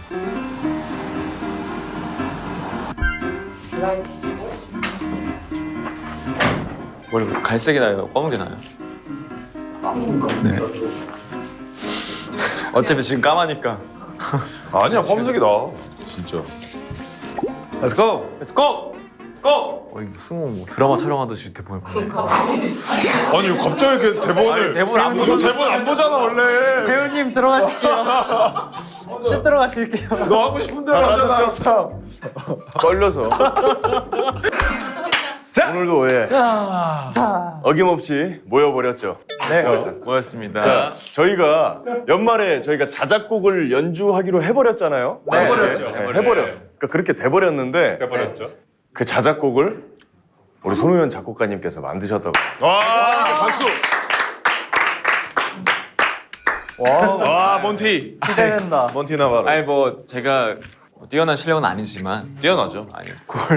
원래 갈색이 나요? 검은 게 나요? 네. 어차피 지금 까마니까. 아니야, 검색이다. 진짜. Let's go. Let's go! Go! 이거 승호 뭐 드라마 촬영하듯이 대본을 보네. 아니, 왜 갑자기 이렇게 대본을. 대본 안 너 대본 안 보잖아, 원래. 배우님 들어가실게요. 슛 들어가실게요. 너 하고 싶은 대로 하잖아, 항상. 걸려서. 자, 오늘도 예. 어김없이 모여버렸죠. 네. 고맙습니다. 자, 저희가 연말에 저희가 자작곡을 연주하기로 해버렸잖아요. 네. 해버렸죠. 해버려. 그러니까 그렇게 돼버렸는데 해버렸죠. 그 자작곡을 우리 손우현 작곡가님께서 만드셨다고. 와, 박수. 와, 몬티. 기대된다. 몬티 나바로. 아니 뭐 제가 뛰어난 실력은 아니지만 뛰어나죠. 아니 그걸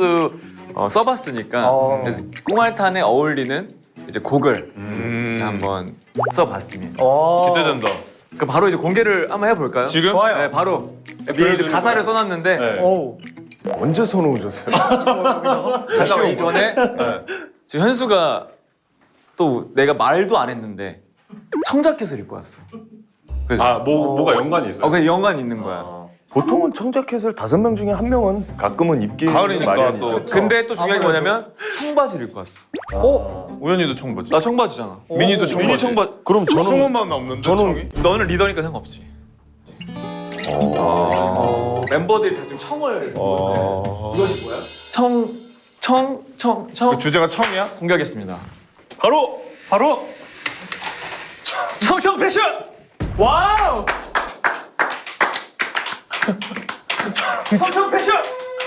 써봤으니까 그래서 꽁알탄에 어울리는 이제 곡을 이제 한번 써봤습니다. 기대된다. 그 바로 이제 공개를 한번 해볼까요? 지금? 좋아요. 네, 바로 미리 가사를 써놨는데 언제 선우셨어요? 잠깐만 이전에 지금 현수가 또 내가 말도 안 했는데 청자켓을 입고 왔어. 그래서 아, 뭐가 연관이 있어요? 그냥 연관이 있는 거야. 보통은 청자켓을 5명 중에 1명은 가끔은 입기 가을이니까 마련이죠. 또. 근데 또 중요한 게 뭐냐면 청바지를 입고 왔어. 우연히도 청바지. 나 청바지잖아. 미니도 청바지. 미니 청바지. 그럼 저는 승호만 없는데. 저는 청이? 너는 리더니까 상관없지. 멤버들이 다 지금 청을. 이것이 뭐야? 그 주제가 청이야? 공개하겠습니다. 바로 청청 패션. 와우. 청청 패션.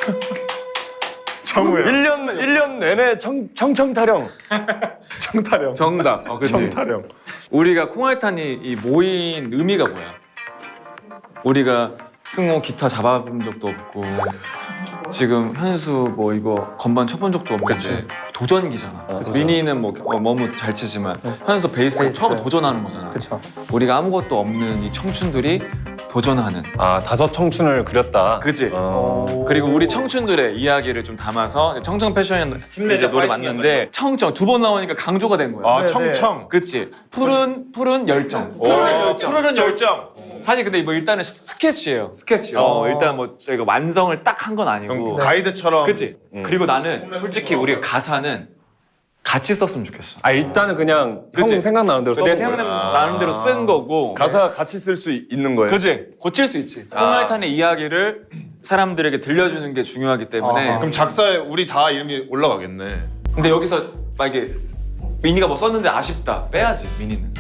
청우야. 1년 내내 청청타령. 청타령. 정답. 그치? 청타령. 우리가 콩알탄이 이 모인 의미가 뭐야? 우리가 승호 기타 잡아본 적도 없고 지금 현수 뭐 이거 건반 쳐본 적도 없는데 도전기잖아. 미니는 뭐 너무 잘 치지만 현수 베이스 처음 도전하는 거잖아. 그쵸. 우리가 아무것도 없는 이 청춘들이 도전하는. 아, 다섯 청춘을 그렸다. 그치? 그리고 우리 청춘들의 이야기를 좀 담아서 청청 패션 이제 노래 맞는데 청청 두 번 나오니까 강조가 된 거야. 아, 청청. 그치? 푸른 열정. 푸른 열정. 사실 근데 뭐 일단은 스케치예요. 스케치요. 일단 뭐 저희가 완성을 딱 한 건 아니고. 가이드처럼. 그치? 그리고 나는 솔직히 우리가 가사는 같이 썼으면 좋겠어. 아, 일단은 그냥 그치? 형 생각나는 대로 내 써본 거예요. 생각나는 대로 쓴 거고. 가사 같이 쓸 수 있는 거예요. 그치? 고칠 수 있지. 콩알탄의 이야기를 사람들에게 들려주는 게 중요하기 때문에. 그럼 작사에 우리 다 이름이 올라가겠네. 근데 여기서 만약에 미니가 뭐 썼는데 아쉽다. 빼야지, 미니는.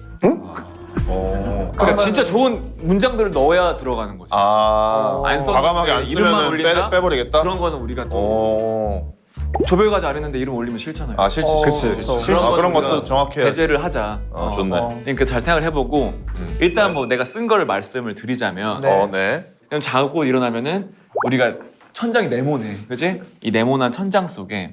그러니까 진짜 좋은 문장들을 넣어야 들어가는 거지. 안 썼는데 과감하게 안 이름만 쓰면 올린다? 빼버리겠다? 그런 거는 우리가 또 조별과제 안 했는데 이름 올리면 싫잖아요. 아, 싫지. 그런 것도 우리가 정확히 해야지. 배제를 하자. 좋네. 그러니까 잘 생각을 해보고 일단 뭐 내가 쓴 거를 말씀을 드리자면 네. 그냥 자고 일어나면은 우리가 천장이 네모네, 그지? 이 네모난 천장 속에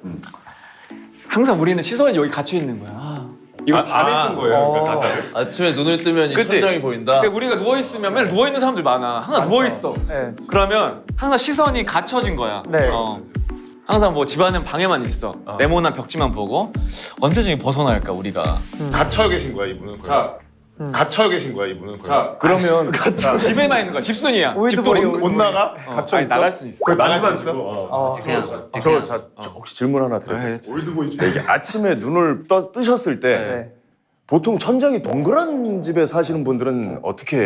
항상 우리는 시선이 여기 갇혀 있는 거야. 이거 밤에 쓴 거예요, 그 가사를. 아침에 눈을 뜨면 이 그치? 천장이 보인다. 근데 우리가 누워 있으면 맨날 누워 있는 사람들 많아. 항상 누워 있어. 네. 그러면 항상 시선이 갇혀진 거야. 네. 항상 뭐 집안은 방에만 있어. 네모난 벽지만 보고 언제쯤 벗어날까 우리가. 갇혀 계신 거야, 이분은. 갇혀 계신 거야, 이분은. 그러면 집에만 있는 거야. 집순이야. 올드보이, 집도 못 나가? 갇혀 아니, 있어? 나갈 수 있어. 나갈 수 있어. 그냥 저 혹시 질문 하나 드려도 돼요? 올드보이 이게 아침에 눈을 뜨셨을 때 네. 보통 천장이 동그란 집에 사시는 분들은 어떻게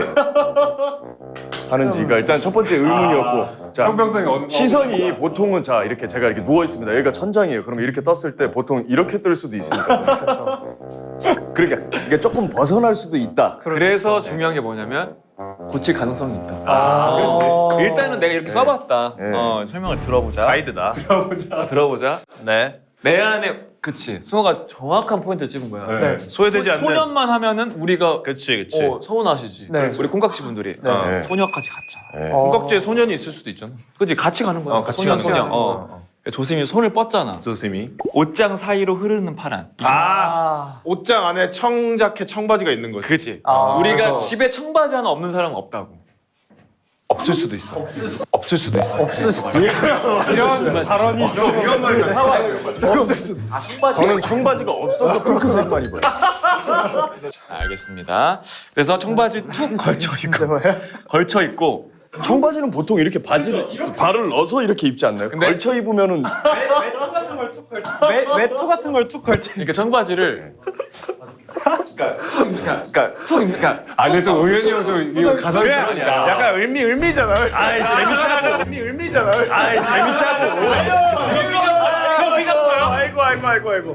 하는지가 일단 첫 번째 의문이었고, 자, 형평성이 시선이 보통은 자 이렇게 제가 이렇게 누워 있습니다. 여기가 천장이에요. 그럼 이렇게 떴을 때 보통 이렇게 뜰 수도 있으니까. 그러니까 이게 조금 벗어날 수도 있다. 그래서 중요한 게 뭐냐면 고칠 가능성이 있다. 일단은 내가 이렇게 써봤다. 네. 설명을 들어보자. 가이드다. 들어보자. 네. 내 안에 그치. 승호가 정확한 포인트를 찍은 거야. 네. 소외되지 않는. 소년만 하면은 우리가 그치. 서운하시지. 네. 우리 콩깍지 분들이 네. 소녀까지 갔잖아. 콩깍지에 소년이 있을 수도 있잖아. 그치 같이 가는 거야. 같이 소년 가는 소년. 거지. 조심히 손을 뻗잖아. 조심히. 옷장 사이로 흐르는 파란. 옷장 안에 청자켓, 청바지가 있는 거지. 그치. 아, 우리가 그래서- 집에 청바지 하나 없는 사람은 없다고. 없을 수도 있어. 없을 수도 있어. 이런 발언이 좀 이런 말이면 사과해요. 저는 청바지가 없어서 핑크색만 입어요. 알겠습니다. 그래서 청바지 툭 걸쳐 있고 청바지는 보통 이렇게 바지를 발을 넣어서 이렇게 입지 않나요? 근데- 걸쳐 입으면은 외투 같은 걸 툭 걸쳐. 그러니까 청바지를 그러니까 아 근데 좀 의현이 형좀 이거 가사를 들으니까 약간 의미잖아. 아이 재밌자고. 의미잖아. 아이 재밌자고. 아이고.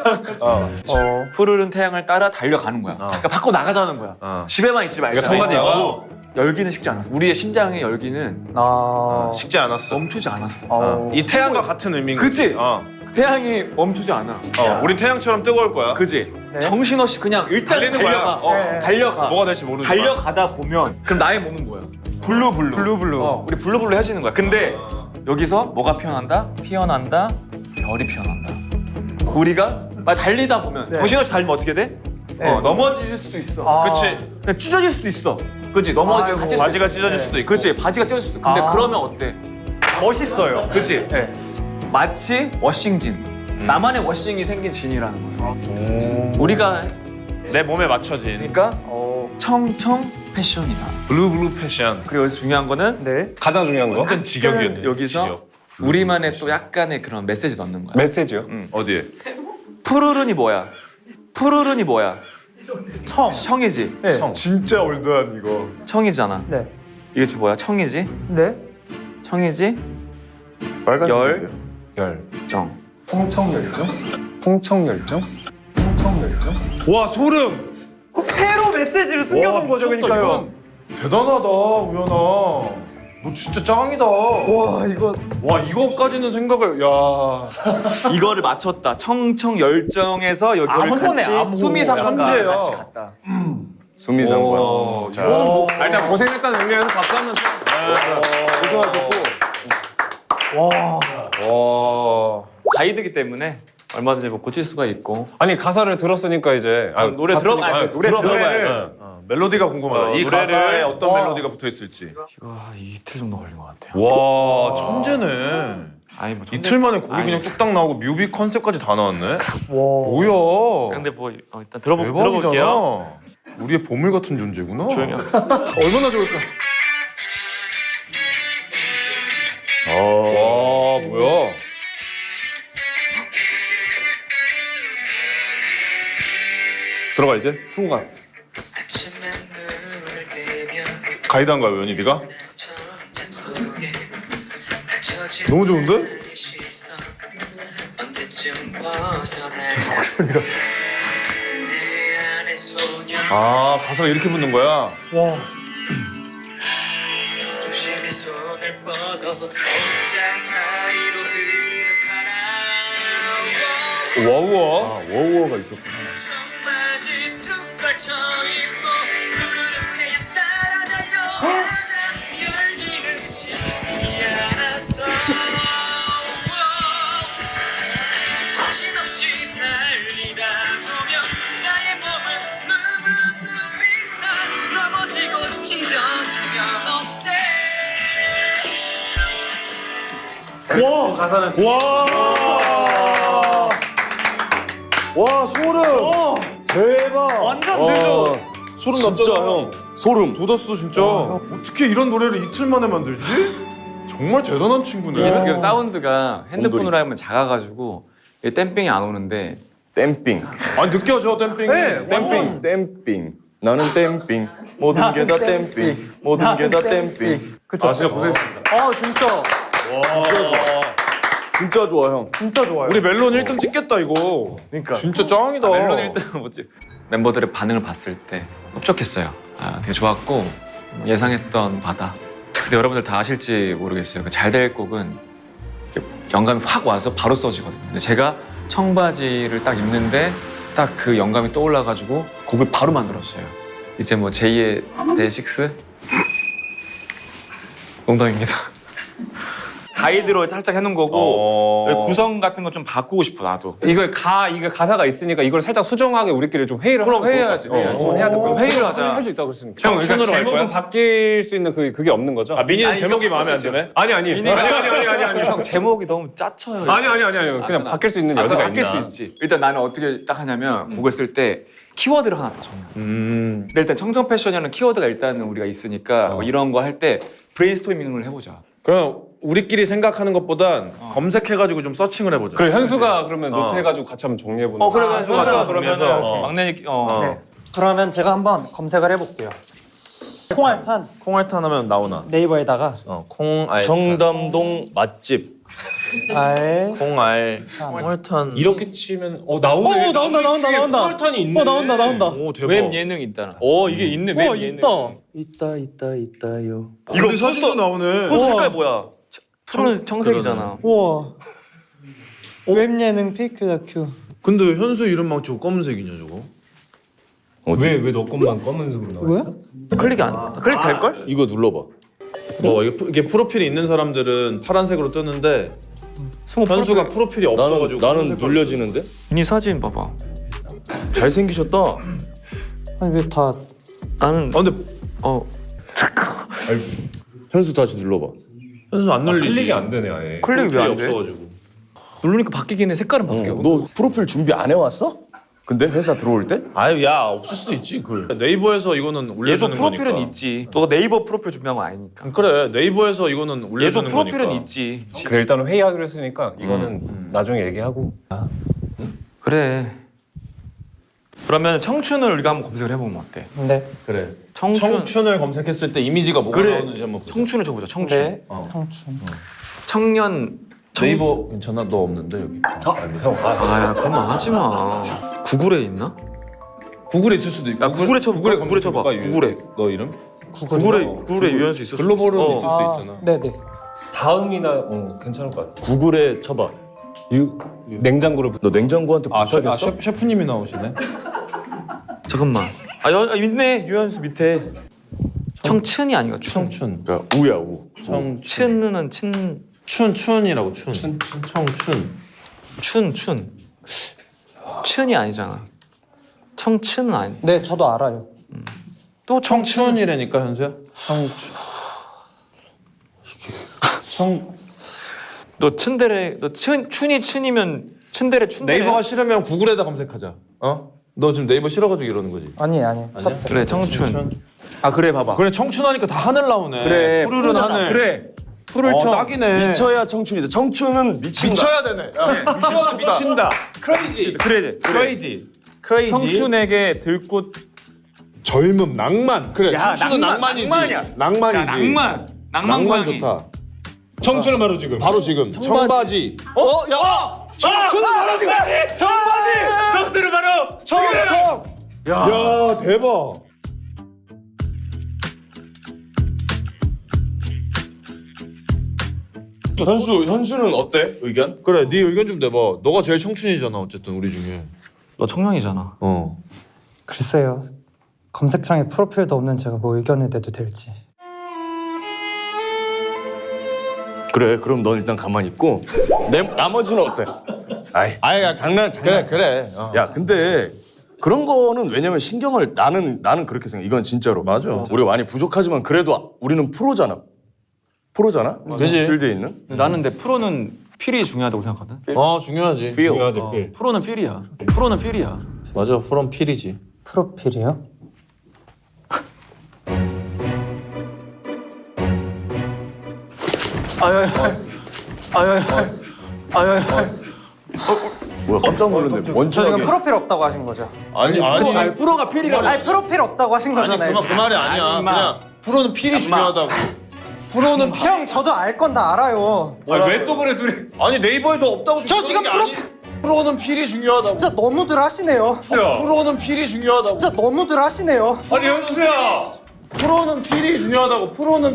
푸르른 태양을 따라 달려가는 거야. 그러니까 밖으로 나가자는 거야. 집에만 있지 말자. 그러니까 청바지 입고 열기는 식지 않았어. 우리의 심장의 열기는 식지 않았어. 멈추지 않았어. 이 태양과 같은 의미인 그치? 거지. 태양이 멈추지 않아. 우린 태양처럼 뜨거울 거야. 그지? 네. 정신없이 그냥 일단 달리는 달려가. 거야. 네. 달려가. 뭐가 될지 모르지만. 달려가다 보면 그럼 나의 몸은 뭐야? 블루블루. 우리 블루블루 해지는 거야. 근데 여기서 뭐가 피어난다? 별이 피어난다. 우리가 막 달리다 보면 네. 정신없이 달리면 어떻게 돼? 네. 넘어질 수도 있어. 아. 그치. 그냥 찢어질 수도 있어. 그치? 넘어질 아이고. 수도 바지가 있어. 찢어질 네. 수도 있고. 그치? 바지가 찢어질 수도 있어. 근데 아. 그러면 어때? 멋있어요. 그치? 네. 마치 워싱진. 나만의 워싱이 생긴 진이라는 거죠. 우리가 내 몸에 맞춰진 그러니까 청청 패션이다. 블루 패션. 그리고 여기서 중요한 거는 네. 가장 중요한 거 완전 직역이었네. 여기서 직역. 우리만의 또 약간의 그런 메시지 넣는 거야. 메시지요? 어디에? 푸르른이 뭐야? 푸르른이 뭐야? 청. 청이지. 네. 청. 진짜 올드한 이거. 청이잖아. 네. 이게 지금 뭐야? 청이지. 네. 청이지. 빨간색인데요. 열정. 홍청열정? 홍청열정? 홍청열정? 와 소름. 새로 메시지를 숨겨놓은 거죠, 그러니까요. 대단하다 우연아. 너 진짜 짱이다. 와, 이거 와 이거까지는 생각을 야. 이거를 맞췄다. 청청 열정에서 여기를 아무거네, 같이 아무. 수미상관과 천재야. 같이 갔다. 수미상관. 자, 일단 고생했다는 의미에서 박수 한번 쳐. 고생하셨고. 와. 가이드기 때문에 얼마든지 뭐 고칠 수가 있고. 아니 가사를 들었으니까 이제 노래 들어- 아니, 노래 들어봐야지. 멜로디가 궁금하다. 이 노래를- 가사에 어떤 멜로디가 붙어 있을지. 이거 이틀 정도 걸린 것 같아요. 와 천재네. 아니 뭐 이틀 만에 곡이 아니. 그냥 뚝딱 나오고 뮤비 컨셉까지 다 나왔네. 와. 뭐야? 근데 뭐 일단 대박이잖아. 들어볼게요. 우리의 보물 같은 존재구나. 조용히 하고. 얼마나 좋을까? 와 뭐야? 들어가 이제 승우가 가이드한 거야 연희비가? 너무 좋은데? 아 가사가 이렇게 붙는 거야? 와. 조심히 손을 뻗어 혼자 사이로 흐르거나 와우와. 아, 워우워가 있었구나. 청바지 툭 걸쳐 입고 푸르른 태양 따라 달려 열기는 식지 않았어 정신없이 달리다 보면 나의 몸은 무브룩 넘어지고 찢어지면 어때 가사는 와 소름. 대박. 완전 늦어. 소름 진짜 났잖아. 형. 소름. 돋았어 진짜. 어떻게 이런 노래를 이틀 만에 만들지? 정말 대단한 친구네. 이게 지금 사운드가 핸드폰으로 곰돌이. 하면 작아가지고 이게 댐핑이 안 오는데 댐핑. 아니 느껴져 댐핑이. 네, 댐핑. 댐핑. 나는 댐핑. 모든 게 다 댐핑. 모든 게 다 댐핑. 그쵸. 아 진짜 고생했습니다. 아, 진짜. 진짜 좋아 형. 진짜 좋아요. 우리 멜론 1등 찍겠다 이거. 그러니까 진짜 짱이다. 멜론 1등은 뭐지? 멤버들의 반응을 봤을 때 흡족했어요. 되게 좋았고 예상했던 바다. 근데 여러분들 다 아실지 모르겠어요. 잘 될 곡은 이렇게 영감이 확 와서 바로 써지거든요. 근데 제가 청바지를 딱 입는데 딱 그 영감이 떠올라가지고 곡을 바로 만들었어요. 이제 뭐 제2의 데이식스 농담입니다. 가이드로 살짝 해놓은 거고 여기 구성 같은 거 좀 바꾸고 싶어 나도. 이거 가사가 있으니까 이걸 살짝 수정하게 우리끼리 좀 회의를 하고 회의해야지. 해야 될 것 같아. 회의를 하자. 할 수 있다고 그랬으니까. 형, 그러니까 춘으로 할 제목은 거야? 바뀔 수 있는 그게 없는 거죠? 아 민이는 제목이 마음에 안 드네? 아니. 아니. 형 제목이 너무 짜쳐요. 아니. 그냥 바뀔 수 있는 여지가 바뀔 있나? 수 있지. 일단 나는 어떻게 딱 하냐면 곡을 쓸 때 키워드를 하나 더 정해. 근데 일단 청정 패션이라는 키워드가 일단은 우리가 있으니까 뭐 이런 거 할 때 브레인스토밍을 해보자. 그럼 우리끼리 생각하는 것보단 검색해가지고 좀 서칭을 해보자. 그래 현수가 그러면 노트 해가지고 같이 한번 정리해보는 거. 그러면 현수가 현수가 정리해서. 그러면은 막내 네. 그러면 제가 한번 검색을 해볼게요. 콩알탄 콩알탄 하면 나오나? 네이버에다가 콩알. 청담동 맛집. 알 콩알탄. 이렇게 치면 나오네. 나온다. 콜탄이 있네. 나온다. 오 대박. 웹 예능 있잖아. 이게 있네. 웹 예능. 있다요. 이거 우리 사진도 나오네. 포스 색깔 뭐야? 푸른 청색이잖아. 우와. 웹 예능 페이크 다큐. 근데 현수 이름만 저거 검은색이냐 저거? 왜 너 것만 검은색으로 나와 있어? 클릭 될 걸? 이거 눌러봐. 뭐 이게 프로필이 있는 사람들은 파란색으로 뜨는데 현수가 프로필이 없어가지고 나는 검은색깔로 눌려지는데? 네 사진 봐봐. 잘생기셨다. 아니 왜 다 나는 근데 잠깐. 현수 다시 눌러봐. 현수 안 눌리지. 클릭이 안 되네 아예. 클릭이 왜 안 돼? 없어가지고. 누르니까 바뀌긴 해. 색깔은 바뀌어. 너 프로필 준비 안 해왔어? 근데 회사 들어올 때? 아유 야 없을 수도 있지 그. 네이버에서 이거는 올려주는 얘도 프로필은 거니까. 있지. 너가 네이버 프로필 준비한 거 아니니까. 그래 네이버에서 이거는 올려주는 얘도 프로필은 거니까. 있지. 그래 일단은 회의하기로 했으니까 이거는 나중에 얘기하고. 그래. 그러면 청춘을 우리가 한번 검색을 해보면 어때? 네. 그래. 청춘. 청춘을 검색했을 때 이미지가 뭐가 그래. 나오는지 한번 보자. 청춘을 쳐보자. 청춘. 네. 청춘. 청년. 네이버 괜찮아? 너 없는데 여기. 아야 그만 하지 마. 구글에 있나? 구글에 있을 수도 있고. 야, 구글에 쳐봐. 구글에 쳐봐. 검색해볼까? 구글에. 너 이름? 구글에 유현수 있었어. 글로벌은 있을 수 있잖아. 네네. 다음이나 괜찮을 것 같아. 구글에 쳐봐. 냉장고를 너 냉장고한테 부탁했어? 셰프님이 나오시네. 잠깐만. 있네. 유현수 밑에. 청춘이 아니고 춘. 청춘. 그러니까 우야 우. 춘은 춘이라고 춘. 청춘. 춘이 아니잖아. 청춘은 아니. 네 저도 알아요. 또 청춘. 청춘이라니까 현수야. 너 춘데레. 너 춘이 춘이면 춘데레. 네이버가 싫으면 구글에다 검색하자. 어? 너 지금 네이버 싫어가지고 이러는 거지. 아니 쳤어요. 그래 청춘. 아 그래 봐봐. 그래 청춘하니까 다 하늘 나오네. 그래. 푸르른 하늘. 그래. 푸를 쳐. 딱이네. 미쳐야 청춘이다. 청춘은 미친다. 미쳐야 되네. 미친다. 크레이지. 그래. 청춘에게 들꽃. 젊음, 낭만. 그래. 청춘은 낭만이지. 낭만이야. 낭만이지. 낭만 낭만 고양이. 좋다. 청춘은 바로 지금. 바로 지금 청바지. 청춘은 바로 지금. 청바지. 청춘은 바로. 야 대박. 현수는 어때? 의견? 그래, 네 의견 좀 내봐. 너가 제일 청춘이잖아, 어쨌든 우리 중에. 너 청년이잖아. 글쎄요. 검색창에 프로필도 없는 제가 뭐 의견을 내도 될지. 그래. 그럼 넌 일단 가만히 있고 나머지는 어때? 아이, 장난. 그래. 야, 근데 그런 거는 왜냐면 신경을 나는 그렇게 생각해. 이건 진짜로. 맞아. 우리가 많이 부족하지만 그래도 우리는 프로잖아. 그지? 필드에 있는. 나는 근데 프로는 필이 중요하다고 생각하거든. 중요하지. 중요하지. 프로는 필이야. 프로는 필이야. 맞아, 프롬 필이지. 프로필이요? 뭐야, 깜짝 놀랐네. 저 원초하게. 지금 프로필 없다고 하신 거죠? 아니. 프로가 필이라고. 아니 프로필 없다고 하신 거잖아요. 그 말이 아니야. 그냥 프로는 필이 중요하다고. 프로는 형 저도 알 건 다 알아요. 왜 또 그래 둘이? 아니 네이버에도 없다고 저 지금 프로는 필이 중요하다고. 진짜 너무들 하시네요. 프로는 필이 중요하다고. 진짜 너무들 하시네요. 아니 현수야. 프로는 필이 중요하다고. 프로는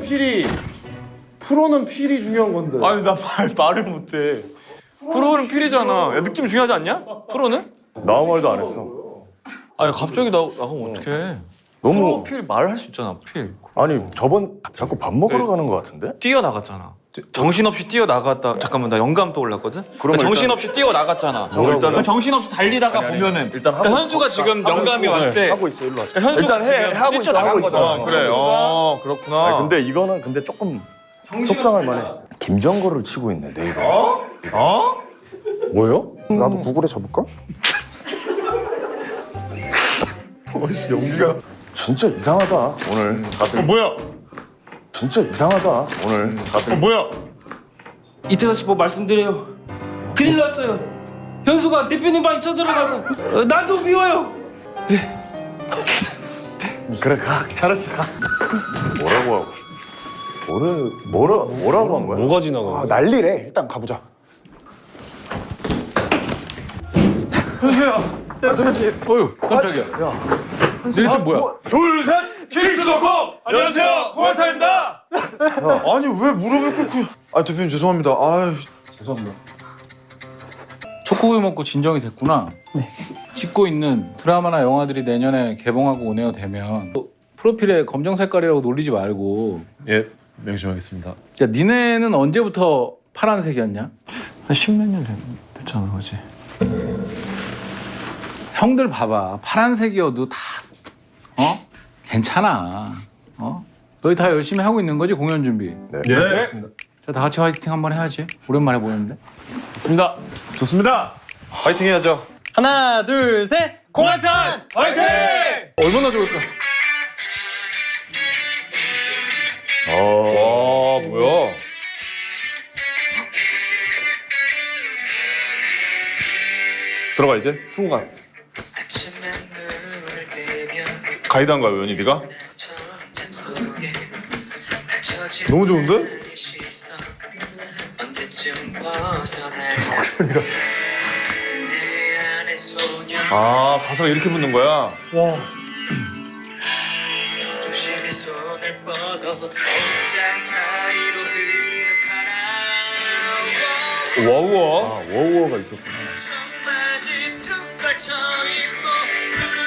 필이 중요한 건데. 아니 나 말을 못해. 프로는 필이잖아. 야, 느낌 중요하지 않냐? 프로는? 나 아무 말도 안 했어. 아니 갑자기 나가면 어떡해. 너무 필 말할 수 있잖아. 필. 아니 저번 자꾸 밥 먹으러 가는 거 같은데? 뛰어나갔잖아. 정신없이 뛰어나갔다. 잠깐만 나 영감 떠올랐거든? 그러면 정신없이 뛰어나갔잖아. 일단은- 그럼 정신없이 달리다가 아니, 아니, 보면은 일단 하고 그러니까 현수가 있어. 지금 하고 영감이 있고, 왔을 때 하고 있어 일로 와. 현수가 일단 해 지금 하고 있어 뛰쳐나간 하고 있어. 거잖아. 그래. 그렇구나. 아니, 근데 이거는 근데 조금 속상할 만해. 김정거를 치고 있네 내 이름. 뭐요? 나도 구글에 접을까? 연기가 진짜 이상하다 오늘 다들. 뭐야? 진짜 이상하다 오늘 다들. 뭐야? 이태가 씨 뭐 말씀드려요. 큰일 났어요. 현수가 대표님 방에 쳐들어가서 난도 미워요. 그래 가 잘했어 가. 뭐라고 하고? 뭐라고 한 거야? 뭐가 지나가? 아, 난리래. 일단 가보자. 너희들 뭐야? 둘셋 킬수 놓고 안녕하세요 코마타입니다. 아니 왜 무릎을 꿇고? 아 대표님 죄송합니다. 아 초코우유 먹고 진정이 됐구나. 네. 찍고 있는 드라마나 영화들이 내년에 개봉하고 오네요 되면 또 프로필에 검정 색깔이라고 놀리지 말고. 예 명심하겠습니다. 야 니네는 언제부터 파란색이었냐? 한 10몇 년 됐잖아, 그지? 형들 봐봐 파란색이어도 다 괜찮아. 너희 다 열심히 하고 있는 거지 공연 준비. 예. 자 다 같이 화이팅 한번 해야지. 오랜만에 보는데. 좋습니다. 좋습니다. 파이팅 해야죠. 하나, 둘, 셋! 공활탄! 화이팅! 얼마나 좋을까? 와 뭐야? 들어가 이제. 승우가 아침에 눈을 뜨면 가이드한가요 연희비가? 천장 속에 갇혀진 너무 좋은데? 나의 시선 언제쯤 벗어날까 내 안의 소녀 아 가사가 이렇게 붙는 거야? 조심히 손을 뻗어 옷장 사이로 흐르는 바람 와우와. 아 워우어가 있었구나. 청바지 툭 걸쳐 입고 푸른